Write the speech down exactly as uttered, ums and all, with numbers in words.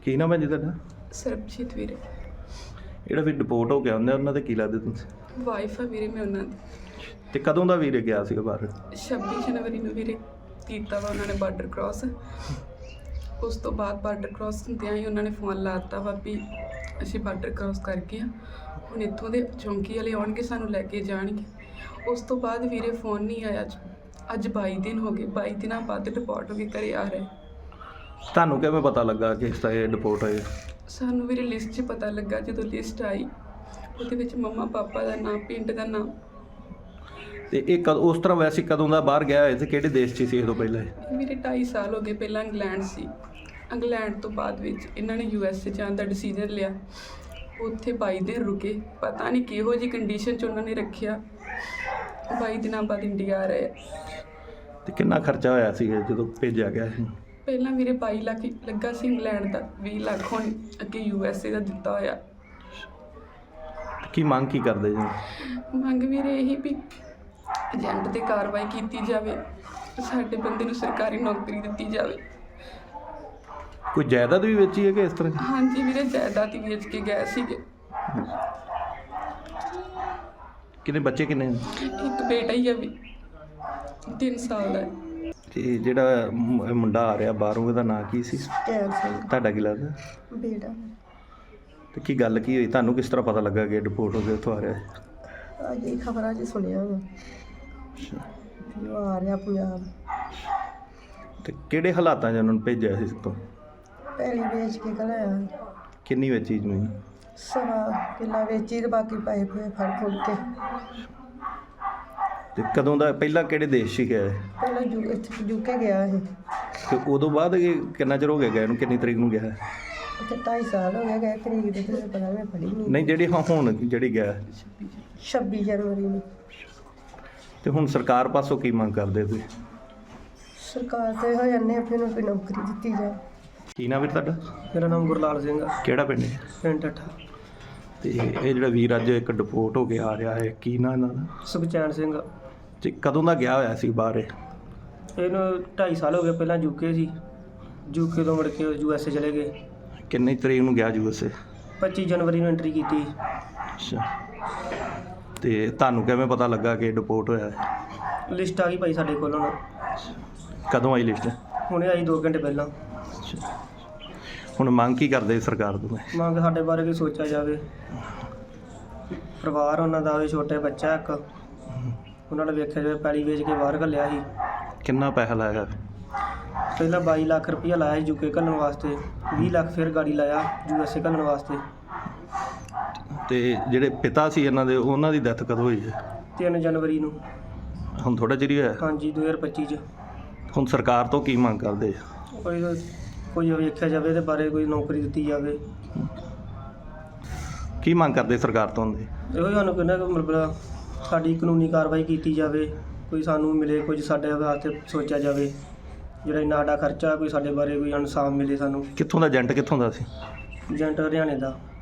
ਕੀ ਨਾਮ ਹੈ ਜੀ ਤੁਹਾਡਾ? ਸਰਬਜੀਤ ਵੀਰੇ। ਜਿਹੜਾ ਵੀ ਡਿਪੋਰਟ ਹੋ ਗਿਆ ਹੁੰਦੇ ਉਹਨਾਂ ਦੇ ਕੀ ਲੱਗਦੇ ਤੁਸੀਂ? ਵਾਈਫ ਆ ਵੀਰੇ ਮੈਂ ਉਹਨਾਂ ਦੀ। ਤੇ ਕਦੋਂ ਦਾ ਵੀਰੇ ਗਿਆ ਸੀਗਾ ਬਾਹਰ? ਛੱਬੀ ਜਨਵਰੀ ਨੂੰ ਵੀਰੇ ਕੀਤਾ ਵਾ ਉਹਨਾਂ ਨੇ ਬਾਰਡਰ ਕ੍ਰਾਸ। ਉਸ ਤੋਂ ਬਾਅਦ ਬਾਰਡਰ ਕ੍ਰਾਸ ਹੁੰਦਿਆਂ ਹੀ ਉਹਨਾਂ ਨੇ ਫੋਨ ਲਾ ਦਿੱਤਾ ਵਾ ਵੀ ਅਸੀਂ ਬਾਰਡਰ ਕ੍ਰਾਸ ਕਰ ਗਏ ਹਾਂ, ਹੁਣ ਇੱਥੋਂ ਦੇ ਚੌਂਕੀ ਵਾਲੇ ਆਉਣਗੇ ਸਾਨੂੰ ਲੈ ਕੇ ਜਾਣਗੇ। ਉਸ ਤੋਂ ਬਾਅਦ ਵੀਰੇ ਫੋਨ ਨਹੀਂ ਆਇਆ। ਅੱਜ ਅੱਜ ਬਾਈ ਦਿਨ ਹੋ ਗਏ, ਬਾਈ ਦਿਨਾਂ ਬਾਅਦ ਡਿਪੋਰਟ ਹੋ ਕੇ ਘਰੇ ਆ ਰਹੇ। ਤੁਹਾਨੂੰ ਕਿਵੇਂ ਪਤਾ ਲੱਗਾ ਕਿ ਇਸ ਤਰ੍ਹਾਂ ਇਹ ਡਿਪੋਰਟ ਹੋਏ? ਸਾਨੂੰ ਵੀਰੇ ਲਿਸਟ 'ਚ ਪਤਾ ਲੱਗਾ, ਜਦੋਂ ਲਿਸਟ ਆਈ ਉਹਦੇ ਵਿੱਚ ਮੰਮਾ ਪਾਪਾ ਦਾ ਨਾਮ, ਪਿੰਡ ਦਾ ਨਾਮ। ਤੇ ਇਹ ਕਦ ਉਸ ਤਰ੍ਹਾਂ ਵੈਸੇ ਕਦੋਂ ਦਾ ਬਾਹਰ ਗਿਆ ਹੋਇਆ ਤੇ ਕਿਹੜੇ ਦੇਸ਼ 'ਚ ਸੀ ਇਹ ਤੋਂ ਪਹਿਲਾਂ? ਮੇਰੇ ਢਾਈ ਸਾਲ ਹੋ ਗਏ। ਪਹਿਲਾਂ ਇੰਗਲੈਂਡ ਸੀ, ਇੰਗਲੈਂਡ ਤੋਂ ਬਾਅਦ ਵਿੱਚ ਇਹਨਾਂ ਨੇ ਯੂ ਐਸ ਏ ਜਾਣ ਦਾ ਡਿਸੀਜਨ ਲਿਆ। ਉੱਥੇ ਬਾਈ ਦਿਨ ਰੁਕੇ, ਪਤਾ ਨਹੀਂ ਕਿਹੋ ਜਿਹੀ ਕੰਡੀਸ਼ਨ 'ਚ ਉਹਨਾਂ ਨੇ ਰੱਖਿਆ। ਬਾਈ ਦਿਨਾਂ ਬਾਅਦ ਇੰਡੀਆ ਆ ਰਹੇ। ਤੇ ਕਿੰਨਾ ਖਰਚਾ ਹੋਇਆ ਸੀ ਜਦੋਂ ਭੇਜਿਆ ਗਿਆ ਸੀ? ਪਹਿਲਾਂ ਵੀਰੇ ਬਾਈ ਲੱਖ ਲੱਗਾ ਸੀ ਇੰਗਲੈਂਡ ਦਾ, ਵੀਹ ਲੱਖ ਹੁਣ ਅੱਗੇ ਯੂ ਐਸ ਏ ਦਾ ਦਿੱਤਾ ਹੋਇਆ। ਕੀ ਮੰਗ ਕੀ ਕਰਦੇ ਜੀ? ਮੰਗ ਵੀਰੇ ਇਹੀ ਵੀ ਏਜੰਟ 'ਤੇ ਕਾਰਵਾਈ ਕੀਤੀ ਜਾਵੇ, ਸਾਡੇ ਬੰਦੇ ਨੂੰ ਸਰਕਾਰੀ ਨੌਕਰੀ ਦਿੱਤੀ ਜਾਵੇ। ਕੋਈ ਜਾਇਦਾਦ ਵੀ ਵੇਚੀ ਹੈ ਕਿ ਇਸ ਤਰ੍ਹਾਂ? ਹਾਂਜੀ ਵੀਰੇ, ਜਾਇਦਾਦ ਹੀ ਵੇਚ ਕੇ ਗਏ ਸੀਗੇ। ਕਿੰਨੇ ਬੱਚੇ ਕਿੰਨੇ? ਇੱਕ ਬੇਟਾ ਹੀ ਆ ਵੀ, ਤਿੰਨ ਸਾਲ ਦਾ ਹੈ। ਤੇ ਜਿਹੜਾ ਮੁ- ਮੁੰਡਾ ਆ ਰਿਹਾ ਬਾਹਰੋਂ, ਉਹਦਾ ਨਾਂ ਕੀ ਸੀ? ਕੈਬ ਸਿੰਘ ਤੁਹਾਡਾ ਕੀ ਲੱਗਦਾ? ਬੇਟਾ। ਤੇ ਕੀ ਗੱਲ ਕੀ ਹੋਈ? ਤੁਹਾਨੂੰ ਕਿਸ ਤਰ੍ਹਾਂ ਪਤਾ ਲੱਗਾ ਕਿ ਡਿਪੋਰਟ ਹੋ ਕੇ ਉੱਥੋਂ ਆ ਰਿਹਾ ਹੈ? ਅੱਜ ਇਹ ਖਬਰਾਂ 'ਚ ਸੁਣਿਆ ਵਾ ਅੱਛਾ। ਵੀ ਉਹ ਆ ਰਿਹਾ ਪੰਜਾਬ। ਤੇ ਕਿਹੜੇ ਹਾਲਾਤਾਂ 'ਚ ਉਹਨਾਂ ਨੂੰ ਭੇਜਿਆ ਸੀ ਤੋਂ? ਪਹਿਲੀ ਵੇਚ ਕੇ ਘਲਾਇਆ, ਕਿੰਨੀ ਵੇਚੀ ਜ਼ਮੀਨ? ਸਵਾ ਕਿੱਲਾ ਵੇਚੀ ਤੇ ਬਾਕੀ ਪਾਏ ਪੂਏ ਫੜ ਫੁੜ ਕੇ। ਤੇ ਕਦੋਂ ਦਾ ਪਹਿਲਾਂ ਕਿਹੜੇ ਦੇਸ਼ 'ਚ ਗਿਆ ਹੈ? ਪਹਿਲਾਂ ਜੂ ਇੱਥੇ ਯੂਕੇ ਗਿਆ ਇਹ, ਤੇ ਉਦੋਂ ਬਾਅਦ ਇਹ ਕਿੰਨਾ ਚਿਰ ਹੋ ਗਿਆ ਗਿਆ ਇਹਨੂੰ? ਕਿੰਨੀ ਤਰੀਕ ਨੂੰ ਗਿਆ ਹੈ? ਉੱਥੇ ਢਾਈ ਸਾਲ ਹੋ ਗਏ ਗਏ, ਤਰੀਕ ਦੇ ਤੇ ਪਤਾ ਮੈਂ ਪੜ੍ਹੀ ਨਹੀਂ। ਨਹੀਂ, ਜਿਹੜੀ ਹਾਂ ਹੁਣ ਜਿਹੜੀ ਗਿਆ ਹੈ। ਛੱਬੀ ਜਨਵਰੀ ਨੂੰ। ਤੇ ਹੁਣ ਸਰਕਾਰ ਪਾਸੋਂ ਕੀ ਮੰਗ ਕਰਦੇ ਤੁਸੀਂ? ਸਰਕਾਰ ਤੇ ਹੋ ਜਾਂਦੇ ਆਪਣੇ ਨੂੰ ਕੋਈ ਨੌਕਰੀ ਦਿੱਤੀ ਜਾਏ। ਕੀ ਨਾਮ ਵੀਰ ਤੁਹਾਡਾ? ਮੇਰਾ ਨਾਮ ਗੁਰਲਾਲ ਸਿੰਘ ਆ, ਕਿਹੜਾ ਪਿੰਡ ਹੈ? ਪਿੰਡ ਠੱਠਾ। ਤੇ ਇਹ ਜਿਹੜਾ ਵੀਰ ਅੱਜ ਇੱਕ ਡਿਪੋਰਟ ਹੋ ਕੇ ਆ ਰਿਹਾ ਹੈ, ਕੀ ਨਾਂ ਇਹਨਾਂ ਦਾ? ਸੁਖਚੈਨ ਸਿੰਘ। ਤੇ ਕਦੋਂ ਦਾ ਗਿਆ ਹੋਇਆ ਸੀ ਬਾਹਰ ਇਹ? ਇਹਨੂੰ ਢਾਈ ਸਾਲ ਹੋ ਗਏ। ਪਹਿਲਾਂ ਯੂਕੇ ਸੀ, ਯੂਕੇ ਤੋਂ ਮੁੜ ਕੇ ਯੂ ਐਸ ਏ ਚਲੇ ਗਏ। ਕਿੰਨੀ ਤਰੀਕ ਨੂੰ ਗਿਆ ਯੂ ਐਸ ਏ? ਪੱਚੀ ਜਨਵਰੀ ਨੂੰ ਐਂਟਰੀ ਕੀਤੀ। ਅੱਛਾ। ਤੇ ਤੁਹਾਨੂੰ ਕਿਵੇਂ ਪਤਾ ਲੱਗਾ ਕਿ ਡਿਪੋਰਟ ਹੋਇਆ ਹੈ? ਲਿਸਟ ਆ ਗਈ ਭਾਈ ਸਾਡੇ ਕੋਲ ਹੁਣ। ਕਦੋਂ ਆਈ ਲਿਸਟ? ਹੁਣੇ ਆਈ ਦੋ ਘੰਟੇ ਪਹਿਲਾਂ। ਅੱਛਾ। ਹੁਣ ਮੰਗ ਕੀ ਕਰਦੇ ਸਰਕਾਰ ਤੋਂ? ਮੰਗ ਸਾਡੇ ਬਾਰੇ ਕੋਈ ਸੋਚਿਆ ਜਾਵੇ। ਪਰਿਵਾਰ ਉਹਨਾਂ ਦਾ ਵੀ, ਛੋਟੇ ਬੱਚਾ ਇੱਕ, ਉਹਨਾਂ ਨੇ ਵੇਖਿਆ ਜਾਵੇ। ਪੈਲੀ ਵੇਚ ਕੇ ਬਾਹਰ ਘੱਲਿਆ ਸੀ। ਕਿੰਨਾ ਪੈਸਾ ਲਾਇਆ? ਪਹਿਲਾਂ ਬਾਈ ਲੱਖ ਰੁਪਈਆ ਲਾਇਆ ਸੀ ਯੂਕੇ ਘੱਲਣ ਵਾਸਤੇ, ਵੀਹ ਲੱਖ ਫਿਰ ਗਾੜੀ ਲਾਇਆ ਯੂ ਐਸ ਏ ਘੱਲਣ ਵਾਸਤੇ। ਤੇ ਜਿਹੜੇ ਪਿਤਾ ਸੀ ਇਹਨਾਂ ਦੇ, ਉਹਨਾਂ ਦੀ ਡੈਥ ਕਦੋਂ ਹੋਈ ਹੈ? ਤਿੰਨ ਜਨਵਰੀ ਨੂੰ। ਹੁਣ ਥੋੜਾ ਚਿਰ ਹੀ ਹੋਇਆ। ਹਾਂਜੀ, ਦੋ ਹਜ਼ਾਰ ਪੱਚੀ 'ਚ। ਹੁਣ ਸਰਕਾਰ ਤੋਂ ਕੀ ਮੰਗ ਕਰਦੇ? ਕੋਈ ਕੋਈ ਵੇਖਿਆ ਜਾਵੇ ਇਹਦੇ ਬਾਰੇ, ਕੋਈ ਨੌਕਰੀ ਦਿੱਤੀ ਜਾਵੇ। ਕੀ ਮੰਗ ਕਰਦੇ ਸਰਕਾਰ ਤੋਂ? ਇਹੋ ਸਾਨੂੰ ਕਹਿੰਦਾ ਕਿ ਮਤਲਬ ਸਾਡੀ ਕਾਨੂੰਨੀ ਕਾਰਵਾਈ ਕੀਤੀ ਜਾਵੇ, ਕੋਈ ਸਾਨੂੰ ਮਿਲੇ, ਕੁਝ ਸਾਡੇ ਵਾਸਤੇ ਸੋਚਿਆ ਜਾਵੇ। ਜਿਹੜਾ ਇੰਨਾ ਸਾਡਾ ਖਰਚਾ, ਕੋਈ ਸਾਡੇ ਬਾਰੇ ਕੋਈ ਇਨਸਾਫ ਮਿਲੇ ਸਾਨੂੰ। ਕਿੱਥੋਂ ਦਾ ਏਜੰਟ? ਕਿੱਥੋਂ ਦਾ ਸੀ? ਏਜੰਟ ਹਰਿਆਣੇ ਦਾ।